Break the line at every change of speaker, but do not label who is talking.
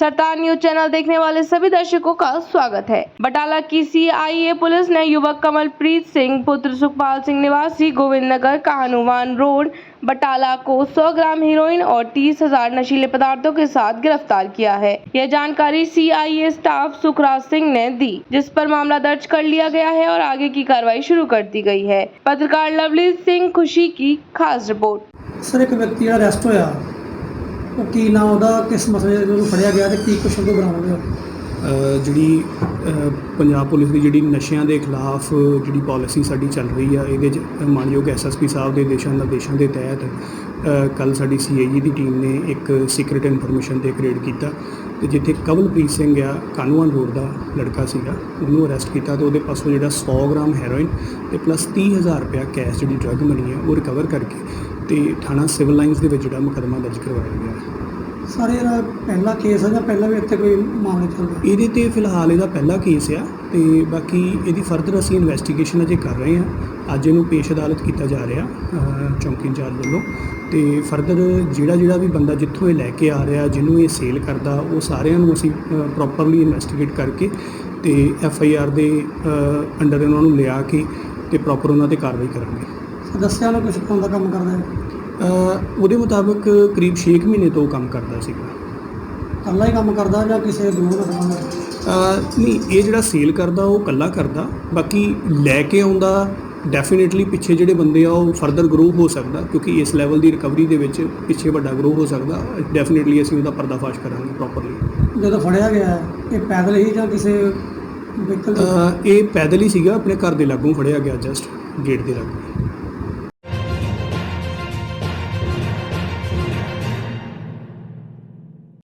सरदार news channel देखने वाले सभी दर्शकों का स्वागत है। बटाला की सीआईए पुलिस ने युवक कमलप्रीत सिंह पुत्र सुखपाल सिंह निवासी गोविंद नगर काहनुवान रोड बटाला को 100 ग्राम हीरोइन और 30,000 नशीले पदार्थों के साथ गिरफ्तार किया है। यह जानकारी सीआईए स्टाफ सुखराज सिंह ने दी, जिस पर मामला दर्ज कर लिया गया है और आगे की कार्रवाई शुरू कर दी गई है। पत्रकार लवलीत सिंह खुशी की खास रिपोर्ट।
सर, एक व्यक्ति अरेस्ट होया, ਉਹ ਕੀ ਨਾਮ ਉਹਦਾ, ਕਿਸ ਮਸਲੇ ਨੂੰ ਫੜਿਆ ਗਿਆ ਤੇ ਕੀ ਕੁਛ ਉਹਨੂੰ ਬਰਾਮਦ ਹੋਇਆ?
ਜਿਹੜੀ ਪੰਜਾਬ ਪੁਲਿਸ ਦੀ ਜਿਹੜੀ ਨਸ਼ਿਆਂ ਦੇ ਖਿਲਾਫ ਜਿਹੜੀ ਪਾਲਿਸੀ ਸਾਡੀ ਚੱਲ ਰਹੀ ਆ, ਇਹਦੇ 'ਚ ਮਾਨਯੋਗ ਐਸਐਸਪੀ ਸਾਹਿਬ ਦੇ ਨਿਰਦੇਸ਼ਾਂ ਦੇ ਤਹਿਤ ਕੱਲ੍ਹ ਸਾਡੀ ਸੀਆਈਏ ਦੀ ਟੀਮ ਨੇ ਇੱਕ ਸੀਕ੍ਰੇਟ ਇਨਫੋਰਮੇਸ਼ਨ 'ਤੇ ਇੱਕ ਰੇਡ ਕੀਤਾ ਤੇ ਜਿੱਥੇ ਕਮਲਪ੍ਰੀਤ ਸਿੰਘ ਆ ਕਾਹਨੂੰਵਾਨ ਰੋਡ ਦਾ ਲੜਕਾ ਸੀਗਾ, ਉਹਨੂੰ ਅਰੈਸਟ ਕੀਤਾ ਤੇ ਉਹਦੇ ਪਾਸੋਂ ਜਿਹੜਾ 100 ਗ੍ਰਾਮ ਹੈਰੋਇਨ ਤੇ ਪਲੱਸ 30,000 ਰੁਪਇਆ ਕੈਸ਼ ਜਿਹੜੀ ਡਰੱਗ ਮਨੀ ਆ ਉਹ ਰਿਕਵਰ ਕਰਕੇ ਤੇ ਥਾਣਾ ਸਿਵਲ ਲਾਈਨਸ ਦੇ ਵਿੱਚ ਜਿਹੜਾ ਮੁਕੱਦਮਾ ਦਰਜ ਕਰਵਾਇਆ ਗਿਆ।
ਸਾਰੇ ਇਹਦਾ ਪਹਿਲਾ ਕੇਸ ਹੈ ਜਾਂ ਪਹਿਲਾਂ ਵੀ ਇੱਥੇ ਕੋਈ ਮਾਮਲੇ ਚੱਲਦੇ?
ਇਹਦੇ ਤੇ ਫਿਲਹਾਲ ਇਹਦਾ ਪਹਿਲਾ ਕੇਸ ਆ ਤੇ ਬਾਕੀ ਇਹਦੀ ਫਰਦਰ ਅਸੀਂ ਇਨਵੈਸਟੀਗੇਸ਼ਨ ਅਜੇ ਕਰ ਰਹੇ ਹਾਂ। ਅੱਜ ਇਹਨੂੰ ਪੇਸ਼ ਅਦਾਲਤ ਕੀਤਾ ਜਾ ਰਿਹਾ ਚੌਂਕੀ ਇੰਚਾਰਜ ਵੱਲੋਂ ਤੇ ਫਰਦਰ ਜਿਹੜਾ ਵੀ ਬੰਦਾ ਜਿੱਥੋਂ ਇਹ ਲੈ ਕੇ ਆ ਰਿਹਾ, ਜਿਹਨੂੰ ਇਹ ਸੇਲ ਕਰਦਾ, ਉਹ ਸਾਰਿਆਂ ਨੂੰ ਅਸੀਂ ਪ੍ਰੋਪਰਲੀ ਇਨਵੈਸਟੀਗੇਟ ਕਰਕੇ ਤੇ FIR ਦੇ ਅੰਡਰ ਇਹਨਾਂ ਨੂੰ ਲਿਆ ਕੇ ਤੇ ਪ੍ਰੋਪਰ ਉਹਨਾਂ 'ਤੇ ਕਾਰਵਾਈ ਕਰਾਂਗੇ।
ਦੱਸਿਆ ਨੂੰ ਕੁਛ ਪਾਉਣ ਦਾ ਕੰਮ ਕਰਦਾ ਹੈ?
ਉਹਦੇ ਮੁਤਾਬਕ ਕਰੀਬ 6 ਮਹੀਨੇ ਤੋਂ ਕੰਮ ਕਰਦਾ ਸੀਗਾ।
ਇਕੱਲਾ ਹੀ ਕੰਮ ਕਰਦਾ ਜਾਂ ਕਿਸੇ ਗਰੋਹ ਨਾਲ ਸੰਬੰਧ?
ਨਹੀਂ, ਇਹ ਜਿਹੜਾ ਸੇਲ ਕਰਦਾ ਉਹ ਇਕੱਲਾ ਕਰਦਾ, ਬਾਕੀ ਲੈ ਕੇ ਆਉਂਦਾ ਡੈਫੀਨੇਟਲੀ ਪਿੱਛੇ ਜਿਹੜੇ ਬੰਦੇ ਆ ਉਹ ਫਰਦਰ ਗਰੋ ਹੋ ਸਕਦਾ, ਕਿਉਂਕਿ ਇਸ ਲੈਵਲ ਦੀ ਰਿਕਵਰੀ ਦੇ ਵਿੱਚ ਪਿੱਛੇ ਵੱਡਾ ਗਰੋ ਹੋ ਸਕਦਾ। ਡੈਫੀਨੇਟਲੀ ਅਸੀਂ ਉਹਦਾ ਪਰਦਾਫਾਸ਼ ਕਰਾਂਗੇ ਪ੍ਰੋਪਰਲੀ।
ਜਦੋਂ ਫੜਿਆ ਗਿਆ ਇਹ ਪੈਦਲ ਹੀ ਜਾਂ ਕਿਸੇ ਵਹੀਕਲ?
ਇਹ ਪੈਦਲ ਹੀ ਸੀਗਾ, ਆਪਣੇ ਘਰ ਦੇ ਲਾਗੋਂ ਫੜਿਆ ਗਿਆ, ਜਸਟ ਗੇਟ ਦੇ ਲਾਗੋਂ।